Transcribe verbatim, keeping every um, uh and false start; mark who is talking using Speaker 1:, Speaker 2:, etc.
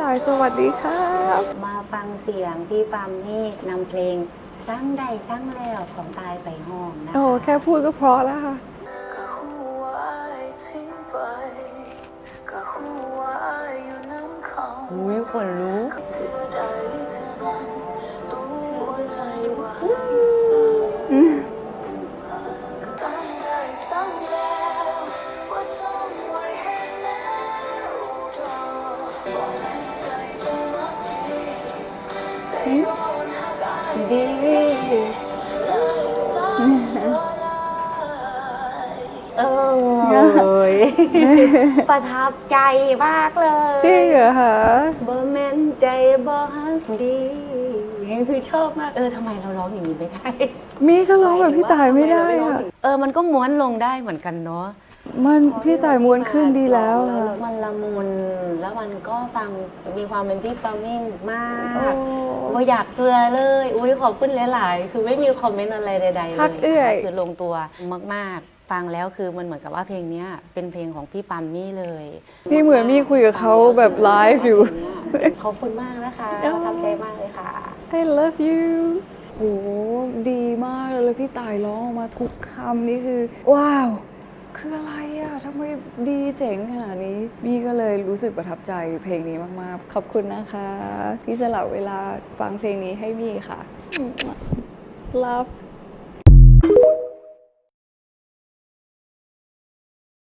Speaker 1: ายสวัสดีครับ
Speaker 2: มาฟังเสียงพี่ปามนี่นำเพลงสร้างใดสร้างแล้วของตายไปห้องนะ
Speaker 1: โอ้แค่พูดก็เพราะแล้วค่ะ
Speaker 3: ก็หัวอายทิ้งไปก็หัวอายอยู่น้ำเขา
Speaker 2: อุ้ยขนลุก
Speaker 3: เธอใดเธอนั้นตัวใจว่าให้สั่งก็ต้องได้สั่งแล้วว่าจงไว้ให้แล้วรอบอกให้ใจต้องมักดีแต่โยนหักอาย
Speaker 2: ดี
Speaker 3: เลยสั่งบ่ได้
Speaker 2: เอ้ย ประทับใจมากเลย
Speaker 1: จริงเหรอคะ
Speaker 2: บ่แม่นใจบ่ฮักดีคือชอบมากเออทำไมเราร้องอย่างนี้ไม่ได้
Speaker 1: มีก็ร้องแบบพี่ตายไม่ได้ค่ะ
Speaker 2: เออมันก็ม้วนลงได้เหมือนกันเนาะ
Speaker 1: มันพี่ตายม้วนขึ้นดีแล้วค่ะ
Speaker 2: มันละมุนแล้วมันก็ฟังมีความเป็นพี่ปามิ่งมาก
Speaker 1: โอ้
Speaker 2: ว่าอยากเชื่อเลยอุ้ยขอบคุณหลายๆคือไม่มีคอมเมนต์อะไรใดๆเลย
Speaker 1: พักเอื้อย
Speaker 2: คือลงตัวมากๆ ฟังแล้วคือมันเหมือนกับว่าเพลงนี้เป็นเพลงของพี่ปามมี่เลย
Speaker 1: นี่เหมือนมีคุยกับเขาแบบไลฟ์อยู่
Speaker 2: ขอบคุณมากนะคะประทับใจมากเลยค่ะ
Speaker 1: I love you โอ้ดีมากเลยแล้วพี่ตายร้องออกมาทุกคำนี่คือ ว้าว คืออะไรอะทำไมดีเจ๋งขนาดนี้มี่ก็เลยรู้สึกประทับใจเพลงนี้มากๆ ขอบคุณนะคะ ที่สละเวลาฟังเพลงนี้ให้มี่ค่ะ Love